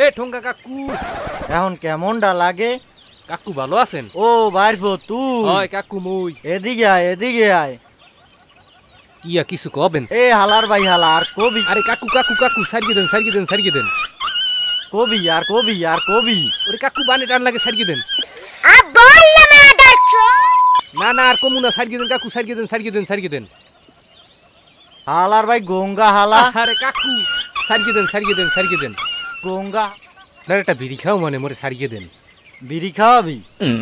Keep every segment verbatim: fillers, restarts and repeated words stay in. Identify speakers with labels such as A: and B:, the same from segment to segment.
A: ঠোঙ্গা কাকু
B: এখন কেমনটা লাগে?
A: কাকু ভালো আছেন?
B: ও বাইরবো তুই?
A: হয় কাকু মুই।
B: এদিকে আয়, এদিকে আয়।
A: ইয়া কিছু কবেন?
B: এ হালার ভাই হালা, আর কবি
A: আরে কাকু কাকু কাকু সারিয়ে দেন সারিয়ে দেন সারিয়ে দেন।
B: কবি আর কবি আর কবি।
A: ওরে কাকু বানে টান লাগে সারিয়ে দেন। না না আর কমু না, সারিয়ে দেন কাকু সারিয়ে দেন সারিয়ে দেন সারিয়ে দেন।
B: হালার ভাই গঙ্গা হালা।
A: আরে কাকু সারিয়ে দেন সারিয়ে দেন সারিয়ে দেন।
B: গঙ্গা
A: না একটা বিড়ি খাও মানে মোরে সারিয়ে দেন।
B: বিড়ি খাওয়াবি?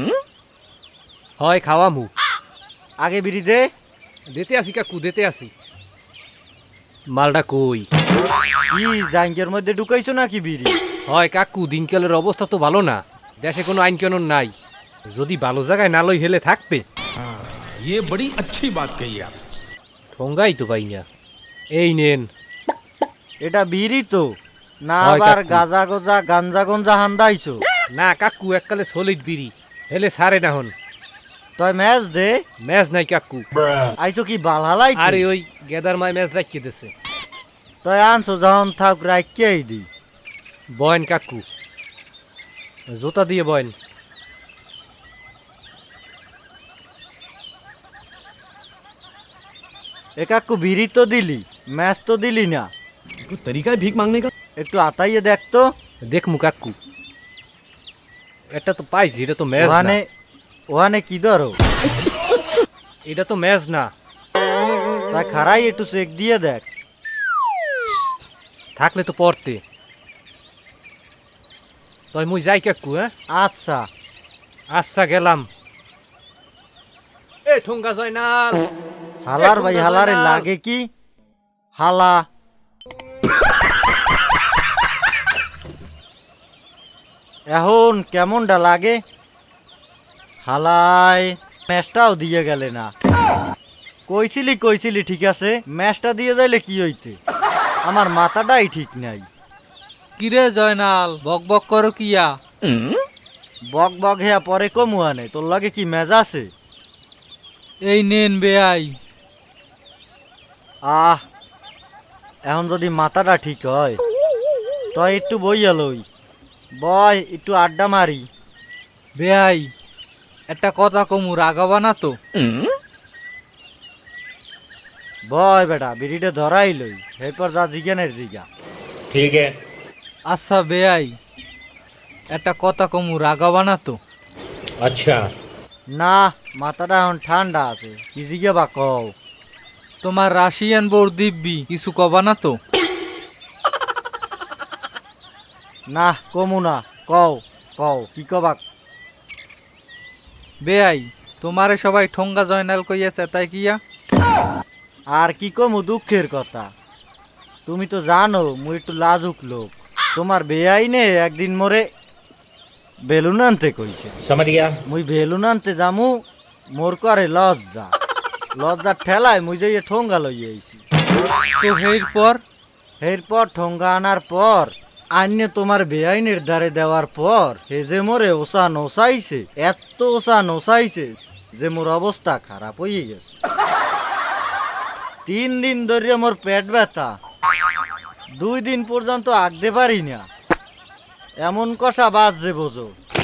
A: হয় খাওয়া মু।
B: আগে বিড়ি দে।
A: দিতে আসি কাকু দিতে আসি। মালটা কই?
B: কি জাঙ্গের মধ্যে ঢুকাইছো নাকি বিড়ি?
A: হয় কাকু দিনকালের অবস্থা তো ভালো না, দেশে কোনো আইন কানুন নাই। যদি ভালো জায়গায় না লই হেলে থাকবে।
C: ये बड़ी अच्छी बात कही आप।
A: ঠোঙ্গাই তো পাই না। এই নেন।
B: এটা বিড়ি তো না,
A: হয়
B: আবার
A: কাকু।
B: গাজা গজা গাঞ্জা গঞ্জা হান্দাইছো?
A: না কাকু এককালে সলিড বিড়ি হেলে সারে না হন।
B: তয় ম্যাচ দে।
A: ম্যাচ নাই কাকু।
B: আইছো কি বাল হালাই?
A: আরে ওই গেদার মাই ম্যাচ রাখিয়ে দিছে।
B: তয় আনছো যখন থাক রাখিয়াই দি।
A: বয়েন কাকু জোতা দিয়ে বয়েন।
B: এ কাকু বিড়ি তো দিলি, ম্যাচ তো দিলি না।
C: कोई तरीका है भीख मांगने का?
B: একটু আতাইয়ে দেখতো।
A: দেখমু কাকু। এটা তো পাইছি, এটা তো ম্যাচ না।
B: ওখানে ওখানে কি ধরো?
A: এটা তো ম্যাচ না।
B: তাই খারাই একটু চেক দিয়ে দেখ।
A: থাকলে তো পড়তে। তাই মুই যাই কাকু। হ্যাঁ
B: আচ্ছা
A: আচ্ছা গেলাম। এ ঠোঙ্গা জয়নাল।
B: হালার ভাই
A: ঠোঙ্গা
B: হালারে
A: জয়নাল।
B: লাগে কি? হালা এখন কেমনটা লাগে? হালাই ম্যাচটাও দিয়ে গেলে না। কইছিলি কইছিলি ঠিক আছে, ম্যাচটা দিয়ে যাইলে কি হইতে? আমার মাথাটাই ঠিক নাই।
D: কিরে জয়নাল বক বক করো কিয়া?
B: বক বক হেয়া পরে কমুয়ানে, তোর লাগে কি ম্যাচ আছে?
D: এই নেন বেআই।
B: আহ এখন যদি মাথাটা ঠিক হয় তই একটু বইয়া লই, বয় একটু আড্ডা মারি।
D: বেআই একটা কথা কমু, রাগাবা না তো?
B: বয় বেটা বিড়িটা ধরাই লই, এরপর যা জিজ্ঞানের জিগা।
C: ठीक है।
D: আচ্ছা বেআই একটা কথা কমু, রাগাবা না তো?
C: अच्छा।
B: না মাথাটা এখন ঠান্ডা আছে, কি জিগে বা কও।
D: তোমার রাশিয়ান বোর দিব্যি কিছু কবা না তো?
B: না কমু না, কও কও কি কবা।
D: বেআই তোমারে সবাই ঠোঙ্গা জয়নাল কইয়াছে তাই কিয়া?
B: আর কি কমু দুঃখের কথা, তুমি তো জানো মুই একটু লাজুক লোক। তোমার বেআইনে একদিন মোরে বেলুন আনতে কইছে।
C: समझ गया।
B: মুই বেলুন আনতে যামু, মোর করে লজ্জা। লজ্জার ঠেলায় মুই যাইয়ে ঠোঙ্গা লই আইছি।
D: তো হের পর?
B: এরপর ঠোঙ্গা আনার পর আন্য তোমার বেআইনের দ্বারে দেওয়ার পর হে যে মোরে ওসা নসাইছে, এত ওসা নসাইছে যে মোর অবস্থা খারাপ হয়ে গেছে। তিন দিন ধরে মোর পেট ব্যথা, দুই দিন পর্যন্ত আগতে পারি না, এমন কষা বাজছে বোঝো।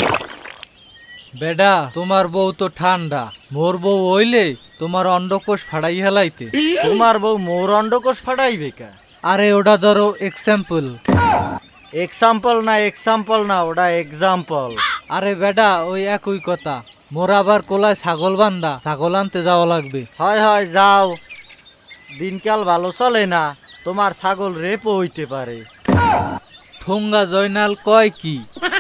D: বেডা তোমার বউ তো ঠান্ডা, মোর বউ হইলে তোমার অন্ডকোষ ফাড়াই হেলাইতে।
B: তোমার বউ মোর অন্ডকোষ ফাটাইবে কা?
D: আরে ওটা ধরো এক্সাম্পল।
B: এক্সাম্পল না এক্সাম্পল না, ওটা এক্সাম্পল।
D: আরে বেডা ওই একই কথা। মোর আবার কোলায় ছাগল বান্ধা, ছাগল আনতে যাওয়া লাগবে।
B: হয় হয় যাও, দিনকাল ভালো চলে না, তোমার ছাগল রেপও হইতে পারে।
D: ঠোঙ্গা জয়নাল কয় কি?